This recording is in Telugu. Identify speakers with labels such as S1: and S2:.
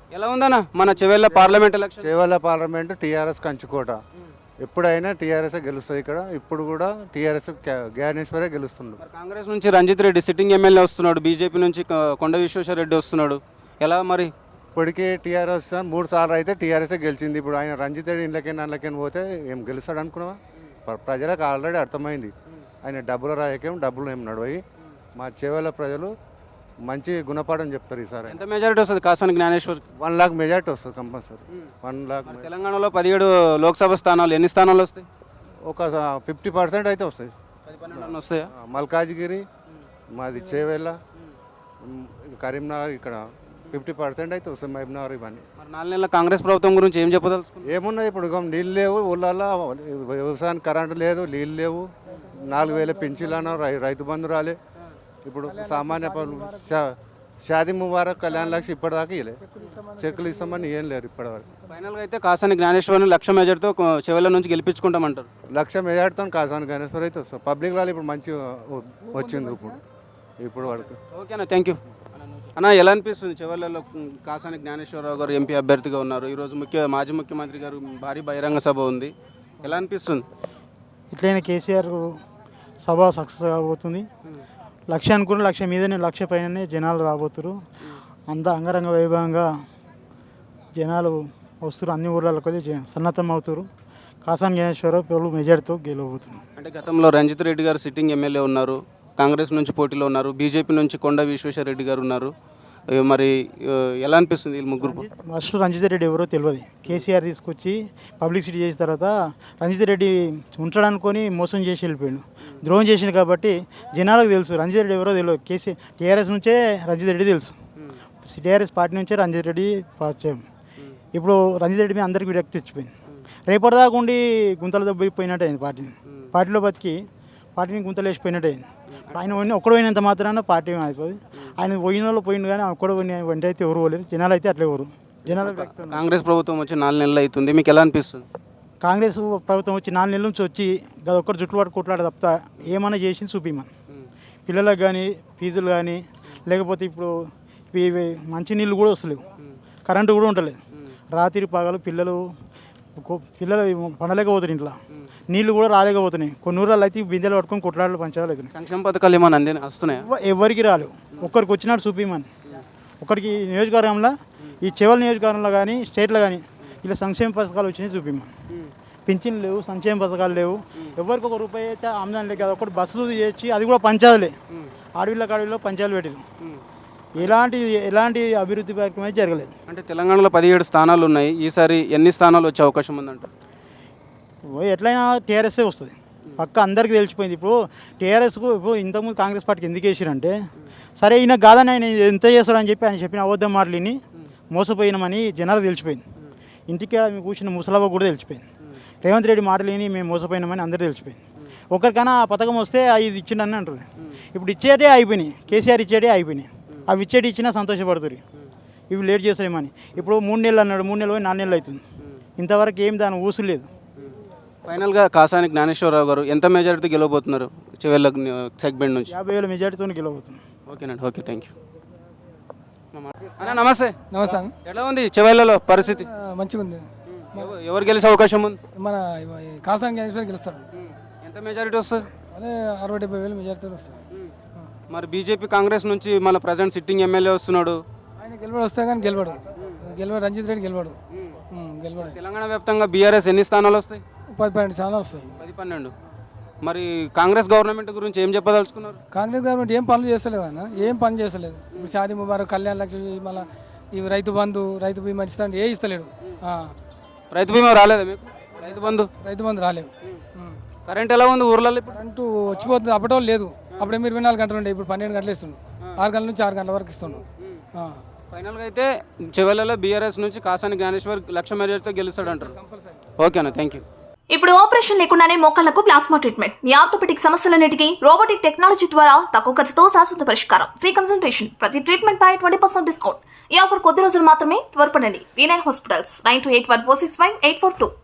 S1: ఎలా ఉందన్న మన Chevella parliament election?
S2: Chevella parliament TRS కంచుకోట. ఎప్పుడైనా టీఆర్ఎస్ గెలుస్తుంది ఇక్కడ. ఇప్పుడు కూడా టీఆర్ఎస్ జ్ఞానేశ్వరే గెలుస్తుండు.
S1: మరి కాంగ్రెస్ నుంచి రంజిత్ రెడ్డి సిట్టింగ్ ఎమ్మెల్యే వస్తున్నాడు, బీజేపీ నుంచి కొండ విశ్వేశ్వర రెడ్డి వస్తున్నాడు. ఎలా మరి?
S2: ఇప్పటికే టీఆర్ఎస్ 3 సార్లు అయితే టీఆర్ఎస్ గెలిచింది. ఇప్పుడు ఆయన రంజిత్ రెడ్డి ఇళ్ళకైనా పోతే ఏం గెలుస్తాడు అనుకున్నావా? ప్రజలకు ఆల్రెడీ అర్థమైంది ఆయన డబ్బుల రాయకేం డబ్బులు ఏం నడవయి. మా చేవల్ల ప్రజలు మంచి గుణపాఠం చెప్తారు ఈసారి.
S1: ఎంత మెజారిటీ వస్తుంది కాసాని జ్ఞానేశ్వర్?
S2: 1 లాక్ మెజార్టీ వస్తుంది కంపల్సరీ. 1 లాక్.
S1: తెలంగాణలో 17 లోక్సభ స్థానాలు ఎన్ని స్థానాలు వస్తాయి?
S2: ఒక 50% అయితే వస్తాయి.
S1: 10-12 వస్తాయా?
S2: మల్కాజ్గిరి, మాది చేవెళ్ళ, కరీంనగర్ ఇక్కడ 50% అయితే వస్తాయి. మహబూబ్నగర్ ఇవన్నీ.
S1: మరి 4 నెలల కాంగ్రెస్ ప్రభుత్వం గురించి ఏం చెప్పదలుచుకున్నారు?
S2: ఏమున్నాయి ఇప్పుడు నీళ్ళు లేవు ఊళ్ళల్లో, వ్యవసాయానికి కరెంటు లేదు, నీళ్ళు లేవు, 4,000 పెంచిళ్ళు అన్నారు, రైతు బంధు రాలే. ఇప్పుడు సామాన్య షాదీ ముబారక్ కళ్యాణ లక్ష్యం ఇప్పటిదాకా ఇవ్వలే. చెక్కులు ఇస్తామని ఏం లేరు ఇప్పటివరకు.
S1: ఫైనల్గా అయితే కాసాని జ్ఞానేశ్వర్ని 1,00,000 మెజార్టీతో చెవెళ్ళ నుంచి గెలిపించుకుంటామంటారు.
S2: 1,00,000 మెజార్టీతో కాసాని గణేశ్వర్ అయితే వస్తారు. పబ్లిక్ వాళ్ళు ఇప్పుడు మంచి వచ్చింది ఇప్పుడు వరకు.
S1: ఓకేనా, థ్యాంక్ యూ అన్న. ఎలా అనిపిస్తుంది చెవెళ్ళలో కాసాని జ్ఞానేశ్వరరావు గారు ఎంపీ అభ్యర్థిగా ఉన్నారు? ఈరోజు మాజీ ముఖ్యమంత్రి గారు భారీ బహిరంగ సభ ఉంది, ఎలా అనిపిస్తుంది?
S3: ఇట్లయినా కేసీఆర్ సభ సక్సెస్ కాబోతుంది. 1,00,000 అనుకున్న 1,00,000 మీదనే 1,00,000 పైననే జనాలు రాబోతున్నారు. అంతా అంగరంగ వైభవంగా జనాలు వస్తారు. అన్ని ఊర్లకు సన్నద్ధం అవుతారు. కాసాని జ్ఞానేశ్వరరావు మెజార్టీతో గెలవబోతున్నారు.
S1: అంటే గతంలో రంజిత్ రెడ్డి గారు సిట్టింగ్ ఎమ్మెల్యే ఉన్నారు, కాంగ్రెస్ నుంచి పోటీలో ఉన్నారు, బీజేపీ నుంచి కొండ విశ్వేశ్వర రెడ్డి గారు ఉన్నారు. మరి ఎలా అనిపిస్తుంది వీళ్ళు ముగ్గురు?
S3: ఫస్ట్ రంజిత్ రెడ్డి ఎవరో తెలియదు. కేసీఆర్ తీసుకొచ్చి పబ్లిసిటీ చేసిన తర్వాత రంజిత్ రెడ్డి ఉంచడానుకొని మోసం చేసి వెళ్ళిపోయాడు, ద్రోహం చేసింది. కాబట్టి జనాలకు తెలుసు రంజిత్ రెడ్డి ఎవరో తెలియదు. టీఆర్ఎస్ నుంచే రంజిత్ రెడ్డి తెలుసు, టీఆర్ఎస్ పార్టీ నుంచే రంజిత్ రెడ్డి పరిచయం. ఇప్పుడు రంజిత్ రెడ్డి మీద అందరికీ విరక్తి తెచ్చిపోయింది. రేపటిదాకా ఉండి గుంతలు దెబ్బపోయినట్టు అయింది. పార్టీలో బతికి పార్టీని గుంతలు వేసిపోయినట్టు అయింది. ఆయన ఒక్కడు పోయినంత మాత్రాన పార్టీ అయిపోయింది. ఆయన పోయిన వాళ్ళు పోయింది, కానీ ఒక్కడు వెంట అయితే ఎవరు పోలేదు. జనాలు అయితే అట్లా ఎవరు జనాలు.
S1: కాంగ్రెస్ ప్రభుత్వం వచ్చి 4 నెలలు అవుతుంది, మీకు ఎలా అనిపిస్తుంది?
S3: కాంగ్రెస్ ప్రభుత్వం వచ్చి 4 నెలల నుంచి వచ్చి గది ఒక్కరు జుట్టు పట్టు కొట్లాడ తప్ప ఏమైనా చేసింది చూపిమని. పిల్లలకు కానీ ఫీజులు కానీ, లేకపోతే ఇప్పుడు మంచి నీళ్ళు కూడా వస్తలేవు, కరెంటు కూడా ఉండలేదు. రాత్రి పగలు పిల్లలు పండలేకపోతారు, ఇంట్లో నీళ్ళు కూడా రాలేకపోతున్నాయి. కొన్ని ఊళ్ళలో అయితే బిందెలు పట్టుకొని కొట్లాడలు పంచాలు అవుతున్నాయి.
S1: సంక్షేమ పథకాలు ఏమైనా వస్తున్నాయి?
S3: ఎవరికి రాలేవు. ఒక్కరికి వచ్చినట్టు చూపిమని. ఒకరికి నియోజకవర్గంలో, ఈ చెవెళ్ళ నియోజకవర్గంలో కానీ స్టేట్లో కానీ ఇలా సంక్షేమ పథకాలు వచ్చినాయి చూపిమని. పింఛన్లు లేవు, సంక్షేమ పథకాలు లేవు. ఎవరికి ₹1 అయితే ఆమ్దాని లేదు. ఒకటి బస్సు చేసి అది కూడా పంచాలే. అడవిలో పంచాలు పెట్టారు. ఎలాంటి అభివృద్ధి కార్యక్రమం అయితే జరగలేదు.
S1: అంటే తెలంగాణలో 17 స్థానాలు ఉన్నాయి, ఈసారి ఎన్ని స్థానాలు వచ్చే అవకాశం ఉందంట?
S3: ఎట్లయినా టీఆర్ఎస్ఏ వస్తుంది పక్క, అందరికీ తెలిసిపోయింది. ఇప్పుడు టీఆర్ఎస్కు ఇప్పుడు ఇంతకుముందు కాంగ్రెస్ పార్టీకి ఎందుకు వేసారంటే, సరే ఈయన కాదని ఆయన ఎంత చేస్తాడని చెప్పి ఆయన చెప్పిన అబద్ధం మాటలని మోసపోయినామని జనాలకు తెలిసిపోయింది. ఇంటికి మేము కూర్చున్న ముసలవ్వ కూడా తెలిసిపోయింది. రేవంత్ రెడ్డి మాటలని మేము మోసపోయినామని అందరూ తెలిసిపోయింది. ఒకరికైనా ఆ పథకం వస్తే ఇది ఇచ్చిండని అంటారు. ఇప్పుడు ఇచ్చేటే అయిపోయినాయి, కేసీఆర్ ఇచ్చేటే అయిపోయినాయి. అవి ఇచ్చినా సంతోషపడుతుంది. ఇవి లేట్ చేస్తామని. ఇప్పుడు 3 నెలలు అన్నాడు, 3 నెలలు పోయి 4 నెలలు అవుతుంది. ఇంతవరకు ఏం దాని ఊసు లేదు.
S1: ఫైనల్గా కాసాని జ్ఞానేశ్వరరావు గారు ఎంత మెజారిటీతో గెలవబోతున్నారు చెవెళ్ళ సెగ్మెంట్ నుంచి?
S3: 50,000 మెజారిటీతో గెలవబోతున్నారు.
S1: ఓకేనండి, ఓకే, థ్యాంక్ యూ అన్న. నమస్తే.
S4: నమస్తే.
S1: ఎలా ఉంది చెవెళ్ళలో పరిస్థితి?
S4: మంచిగా ఉంది.
S1: ఎవరు గెలిచే అవకాశం ఉంది?
S4: మన కాసాని జ్ఞానేశ్వర్ గెలుస్తాడు.
S1: ఎంత మెజారిటీ వస్తుంది?
S4: అదే 60-70,000 మెజారిటీ వస్తుంది.
S1: మరి బీజేపీ కాంగ్రెస్ నుంచి మన ప్రజెంట్ సిట్టింగ్ ఎమ్మెల్యే వస్తున్నాడు,
S4: ఆయన గెలవడు, వస్తే కానీ గెలవడు. రంజిత్ రెడ్డి గెలవడు.
S1: తెలంగాణ వ్యాప్తంగా బీఆర్ఎస్ ఎన్ని స్థానాలు వస్తాయి?
S4: 10-12 స్థానాలు వస్తాయి.
S1: 10-12. మరి కాంగ్రెస్ గవర్నమెంట్ గురించి ఏం చెప్పదలుచుకున్నారు?
S4: కాంగ్రెస్ గవర్నమెంట్ ఏం పనులు చేస్తలేదు అన్న, ఏం పని చేస్తలేదు. ఇప్పుడు షాదీ ముబారక్, కళ్యాణ లక్ష్మి, మళ్ళీ ఇవి రైతు బంధు, రైతు బీమా ఇస్తాడు, ఏ ఇస్తలేడు.
S1: రైతు బీమా రాలేదా మీకు? రైతు బంధు రాలేదు. కరెంట్ ఎలా ఉంది ఊర్లలో? ఇప్పుడు
S4: కరెంటు వచ్చిపోతుంది, అప్పటో లేదు. అప్పుడు 24 గంటలు ఉండే, ఇప్పుడు 12 గంటలు ఇస్తుండు. 6 గంటల నుంచి 6 గంటల వరకు ఇస్తుండు.
S1: ఫైనల్గా అయితే చెవెళ్ళలో బీఆర్ఎస్ నుంచి కాసాని జ్ఞానేశ్వర్ 1,00,000 మెజారిటీతో గెలుస్తాడు అంటారు. ఓకేనా, థ్యాంక్ యూ.
S5: ఇప్పుడు ఆపరేషన్ లేకుండానే మోకాళ్లకు ప్లాస్మా ట్రీట్మెంట్. మీ ఆర్థోపెటిక్ సమస్యలన్నిటికీ రోబోటిక్ టెక్నాలజీ ద్వారా తక్కువ ఖర్చుతో శాశ్వత పరిష్కారం. Free consultation. ప్రతి ట్రీట్మెంట్ పై 20% డిస్కౌంట్. ఈ ఆఫర్ కొద్ది రోజులు మాత్రమే. త్వరపడండి. V9 hospitals 9281465842.